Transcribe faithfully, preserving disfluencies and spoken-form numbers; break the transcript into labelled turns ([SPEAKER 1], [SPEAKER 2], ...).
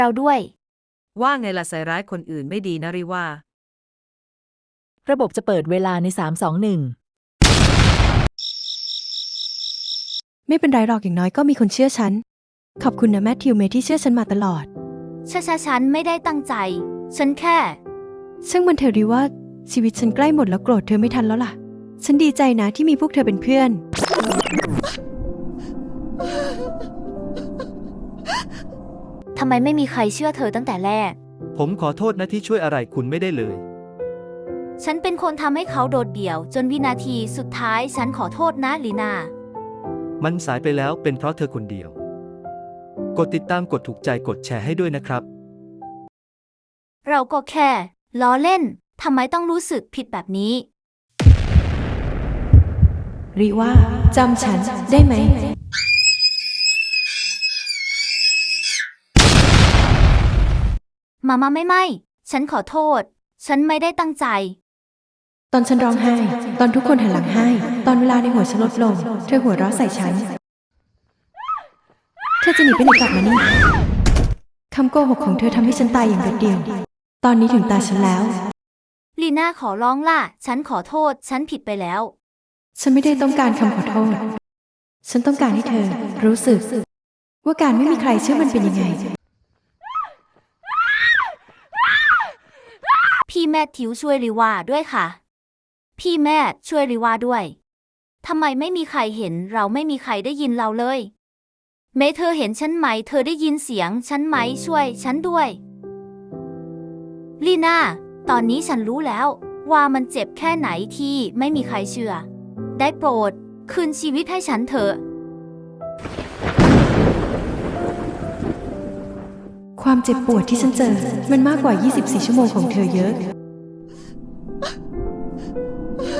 [SPEAKER 1] เราด้วย
[SPEAKER 2] ว่าไงล่ะใส่ร้ายคนอื่นไม่ดีนะริว่า
[SPEAKER 3] ระบบจะเปิดเวลาในสาม สอง หนึ่ง
[SPEAKER 4] ไม่เป็นไรหรอกอย่างน้อยก็มีคนเชื่อฉันขอบคุณนะแมทธิวเมย์ที่เชื่อฉันมาตลอด
[SPEAKER 1] ชะชะฉันไม่ได้ตั้งใจฉันแค่
[SPEAKER 4] ช่างมันเถอะริว่าชีวิตฉันใกล้หมดแล้วโกรธเธอไม่ทันแล้วล่ะฉันดีใจนะที่มีพวกเธอเป็นเพื่อน
[SPEAKER 1] ทำไมไม่มีใครเชื่อเธอตั้งแต่แรก
[SPEAKER 5] ผมขอโทษนะที่ช่วยอะไรคุณไม่ได้เลย
[SPEAKER 1] ฉันเป็นคนทำให้เขาโดดเดี่ยวจนวินาทีสุดท้ายฉันขอโทษนะลีนา
[SPEAKER 5] มันสายไปแล้วเป็นเพราะเธอคนเดียวกดติดตามกดถูกใจกดแชร์ให้ด้วยนะครับ
[SPEAKER 1] เราก็แค่ล้อเล่นทำไมต้องรู้สึกผิดแบบนี้
[SPEAKER 4] ริว่าจำฉันได้ไหม
[SPEAKER 1] มามาไม่ไม่ฉันขอโทษฉันไม่ได้ตั้งใจ
[SPEAKER 4] ตอนฉันร้องไห้ตอนทุกคนหันหลังให้ตอนเวลาในหัวฉันลดลงเธอหัวเราะใส่ฉันเธอจะหนีไปไหนกลับมานี่คำโกหกของเธอทำให้ฉันตายอย่างเดียวตอนนี้ถึงตาฉันแล้ว
[SPEAKER 1] ลีน่าขอร้องล่ะฉันขอโทษฉันผิดไปแล้ว
[SPEAKER 4] ฉันไม่ได้ต้องการคำขอโทษฉันต้องการให้เธอรู้สึกว่าการไม่มีใครเชื่อมันเป็นยังไง
[SPEAKER 1] พี่แมทธิวช่วยริวาด้วยค่ะพี่แม่ช่วยริวาด้วยทำไมไม่มีใครเห็นเราไม่มีใครได้ยินเราเลยเมย์เธอเห็นฉันไหมเธอได้ยินเสียงฉันไหมช่วยฉันด้วยลีน่าตอนนี้ฉันรู้แล้วว่ามันเจ็บแค่ไหนที่ไม่มีใครเชื่อได้โปรดคืนชีวิตให้ฉันเถอะ
[SPEAKER 4] ความเจ็บปวดที่ฉันเจอมันมากกว่ายี่สิบสี่ชั่วโมงของเธอเยอะ